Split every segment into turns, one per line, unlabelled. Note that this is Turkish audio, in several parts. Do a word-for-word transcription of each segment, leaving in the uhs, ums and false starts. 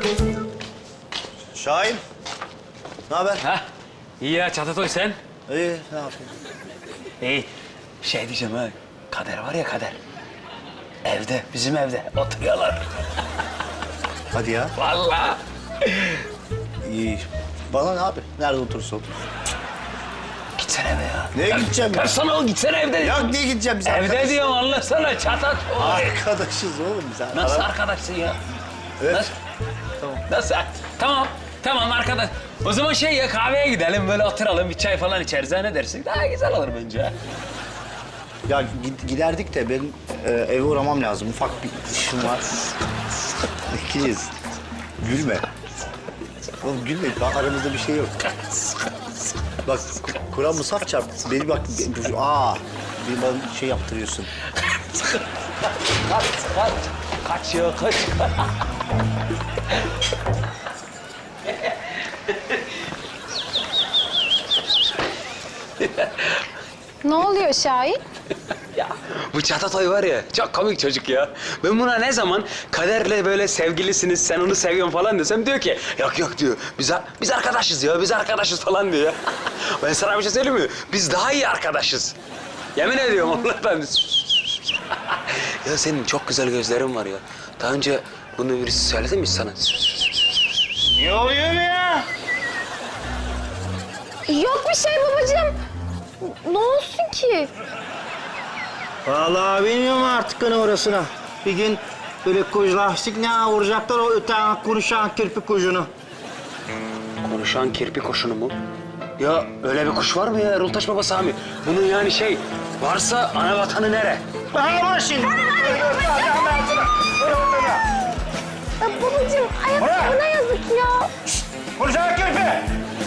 Şahin. Ne haber?
Ha? İyi ya Çatatoy sen?
İyi, ne yapayım?
İyi. Şey diyeceğim ha. Kader var ya Kader. Evde, bizim evde oturuyorlar.
Hadi ya.
Vallahi.
İyi. Bana ne abi? Nerede oturursa otur.
Gitsene be ya.
Neye gideceğim ya?
Personal gitsene evde.
Ya niye gideceğim biz?
Evde
arkadaşız?
diyorum anlasana Çatatoy.
Arkadaşız oğlum biz.
Nasıl
Ara-
arkadaşsın ya?
Evet.
Nasıl?
Tamam.
Nasıl? Tamam. Tamam arkadaş. O zaman şey ya kahveye gidelim böyle oturalım bir çay falan içeriz ha ne dersin? Daha güzel olur bence. ha.
Ya gid- giderdik de benim e, eve uğramam lazım. Ufak bir işim var. İkinciyiz. Gülme. Oğlum gülme. Bak aramızda bir şey yok. Bak Ku- Kur'an musaf çarptı. Beni bak. be- Aa. Bir bana şey yaptırıyorsun.
Kaç, kaç. Kaç ya kaç.
Ne oluyor Şahin?
Ya bu Çatatoy var ya çok komik çocuk ya. Ben buna ne zaman Kader'le böyle sevgilisiniz sen onu seviyorsun falan desem diyor ki yok yok diyor. Biz biz arkadaşız ya biz arkadaşız falan diyor. Ben sana bir şey söyleyeyim mi? Biz daha iyi arkadaşız. Yemin ediyorum onlardan. Ya senin çok güzel gözlerin var ya. Daha önce bunu birisi söyledi mi sana?
Ne oluyor ya?
Yok bir şey babacığım. Ne olsun ki?
Vallahi bilmiyorum artık hani orasına. Bir gün böyle kuşlaştık ne vuracaklar o öten konuşan kirpik kuşunu.
Konuşan kirpi kuşunu mu? Ya öyle bir kuş var mı ya Erol Taş Baba Sami? Bunun yani şey varsa ana vatanı nere?
Aha burası şimdi.
Ya babacığım ayakkabına yazık ya.
Konuşan kirpi.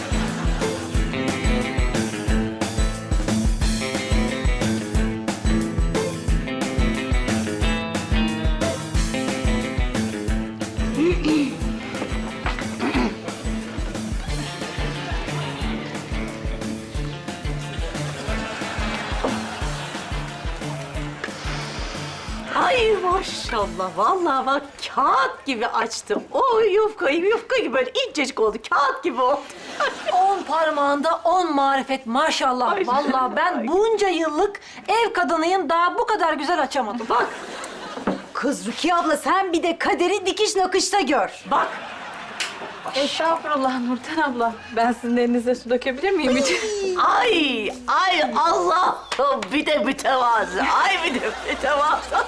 Ay maşallah vallahi bak kağıt gibi açtım. O yufkayı yufka gibi böyle incecik oldu. Kağıt gibi oldu.
On parmağında on marifet maşallah.
Ay.
Vallahi ben bunca yıllık ev kadınıyım daha bu kadar güzel açamadım.
Bak
Kız Rukiye abla sen bir de Kader'i dikiş nakışta gör.
bak.
Estağfurullah Nurten abla. Ben sizin elinize su dökebilir miyim hiç?
Ay ay Allah bir de mütevazı. Ay bir de mütevazı.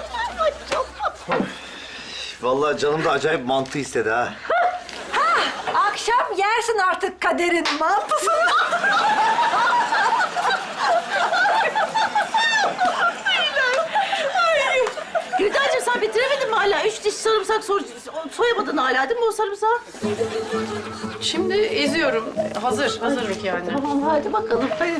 Vallahi canım da acayip mantı istedi ha.
Akşam yersin artık Kader'in mantısını.
Gülden'cim sen bitiremedin mi hala? Üç diş sarımsak soy soyamadın hala değil mi o sarımsağı?
Şimdi eziyorum. Hazır, hazır Rukiye anne.
Tamam hadi bakalım. Hadi.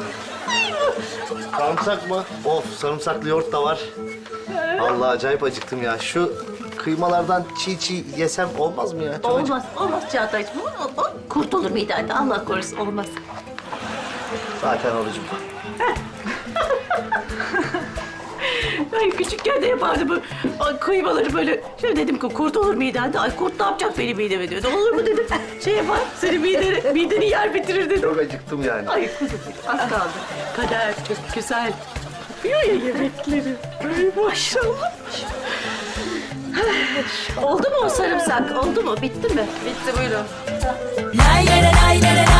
Sarımsak mı? Of sarımsaklı yoğurt da var. Vallahi acayip acıktım ya. Şu kıymalardan çiğ çiğ yesem olmaz mı ya? Çok acıktım.
Olmaz, olmaz Çağatay'cığım. O, o kurtulur midende. Allah korusun, olmaz.
Zaten alıcım.
Ay küçükken de yapardı bu ay, kıymaları böyle. Şöyle dedim ki kurt olur midende. Ay kurt ne yapacak benim mideme diyordu. Olur mu dedim. Şey yapar, seni mideni, mideni yer bitirir dedim.
Çok acıktım yani.
Ay kuzum az kaldı. Kader çok güzel. Yapıyor ya yemekleri. Ay maşallah. Oldu mu o sarımsak? Oldu mu? Bitti mi?
Bitti buyurun.
Lay lay lay lay lay